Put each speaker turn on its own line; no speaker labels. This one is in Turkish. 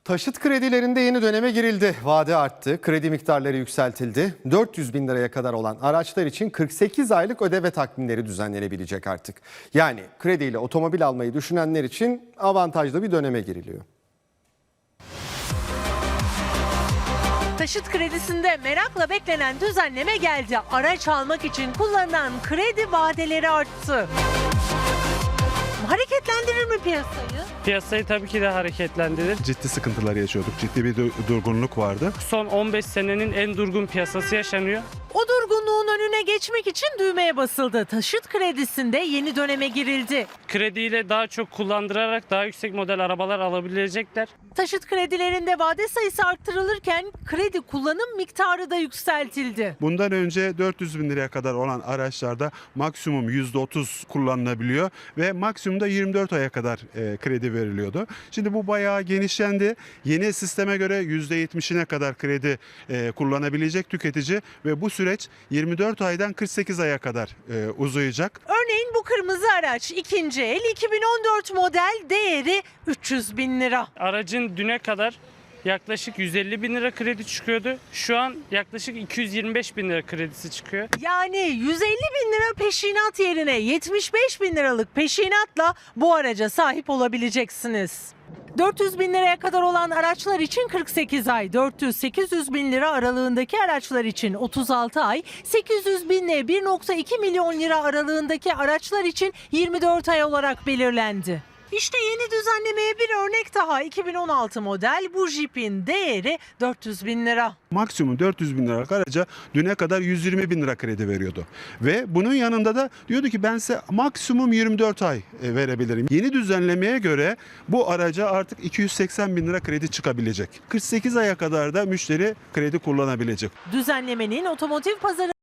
Taşıt kredilerinde yeni döneme girildi. Vade arttı, kredi miktarları yükseltildi. 400 bin liraya kadar olan araçlar için 48 aylık ödeme takvimleri düzenlenebilecek artık. Yani krediyle otomobil almayı düşünenler için avantajlı bir döneme giriliyor.
Taşıt kredisinde merakla beklenen düzenleme geldi. Araç almak için kullanılan kredi vadeleri arttı. Hareketlendirir mi piyasayı?
Piyasayı tabii ki de hareketlendirir.
Ciddi sıkıntılar yaşıyorduk. Ciddi bir durgunluk vardı.
Son 15 senenin en durgun piyasası yaşanıyor.
O durgunluğun önüne geçmek için düğmeye basıldı. Taşıt kredisinde yeni döneme girildi.
Krediyle daha çok kullandırarak daha yüksek model arabalar alabilecekler.
Taşıt kredilerinde vade sayısı arttırılırken kredi kullanım miktarı da yükseltildi.
Bundan önce 400 bin liraya kadar olan araçlarda maksimum %30 kullanılabiliyor ve maksimumda 24 aya kadar kredi veriliyordu. Şimdi bu bayağı genişlendi. Yeni sisteme göre %70'ine kadar kredi kullanabilecek tüketici ve bu süreç 24 aydan 48 aya kadar uzayacak.
Örneğin bu kırmızı araç ikinci el 2014 model, değeri 300 bin lira.
Aracın düne kadar yaklaşık 150 bin lira kredi çıkıyordu. Şu an yaklaşık 225 bin lira kredisi çıkıyor.
Yani 150 bin lira peşinat yerine 75 bin liralık peşinatla bu araca sahip olabileceksiniz. 400 bin liraya kadar olan araçlar için 48 ay, 400-800 bin lira aralığındaki araçlar için 36 ay, 800 bin ile 1,2 milyon lira aralığındaki araçlar için 24 ay olarak belirlendi. İşte yeni düzenlemeye bir örnek daha. 2016 model bu Jeep'in değeri 400 bin lira.
Maksimum 400 bin liralık araca düne kadar 120 bin lira kredi veriyordu. Ve bunun yanında da diyordu ki ben size maksimum 24 ay verebilirim. Yeni düzenlemeye göre bu araca artık 280 bin lira kredi çıkabilecek. 48 aya kadar da müşteri kredi kullanabilecek.
Düzenlemenin otomotiv pazarı